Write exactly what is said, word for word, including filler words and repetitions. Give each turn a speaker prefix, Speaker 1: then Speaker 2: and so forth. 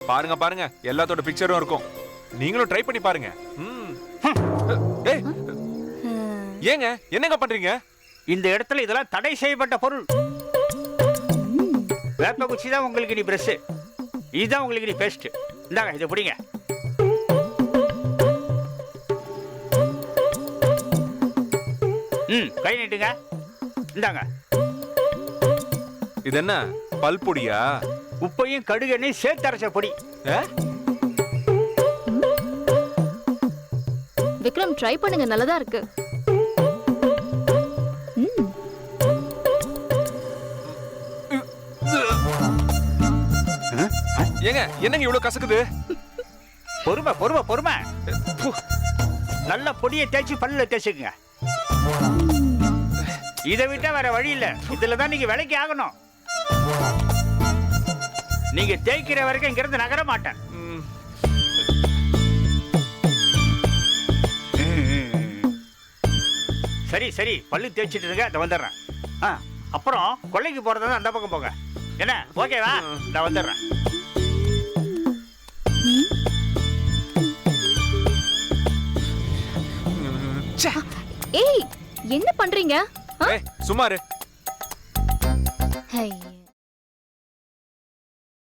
Speaker 1: பாருங்க பாருங்க எல்லாத்தோட பிக்சரும் இருக்கும். நீங்களும் ட்ரை பண்ணி பாருங்க. ம். ஏய் ஏங்க என்னங்க பண்றீங்க?
Speaker 2: இந்த இடத்துல இதெல்லாம் தடை செய்யப்பட்ட பொருள். வேப்ப குச்சி தான் உங்களுக்கு நீ பிரஷ், இதுதான் உங்களுக்கு நீ பேஸ்ட். இந்தாங்க இதை பிடிங்க. ம் கை நீட்டுங்க. இந்தாங்க.
Speaker 1: இது என்ன பல் பொடியா?
Speaker 2: உப்பையும் கடுகு எண்ணெயும் சேர்த்து அரைச்ச பொடி.
Speaker 3: விக்ரம் ட்ரை பண்ணுங்க, நல்லதா இருக்கு.
Speaker 1: ஏங்க என்னங்க இவ்வளவு கசக்குது?
Speaker 2: பொறுமை பொறுமை பொறுமை. நல்ல பொடியை தேய்ச்சி பல்லுல தேய்ச்சிக்குங்க. இதை விட்டா வேற வழி இல்ல. இதுல தான் நீங்க விலைக்கு ஆகணும். நீங்க தேய்க்கிற வரைக்கும் இங்க இருந்து நகர மாட்டேன். சரி சரி பல்லு தேய்ச்சிட்டு இருங்க, அதை வந்துடுறேன். அப்புறம் கொள்ளைக்கு போறதா அந்த பக்கம் போங்க. என்ன ஓகேவா? நான் வந்துடுறேன்.
Speaker 3: ஏய் என்ன பண்றீங்க?
Speaker 1: சும்மா இரு.
Speaker 3: ஹை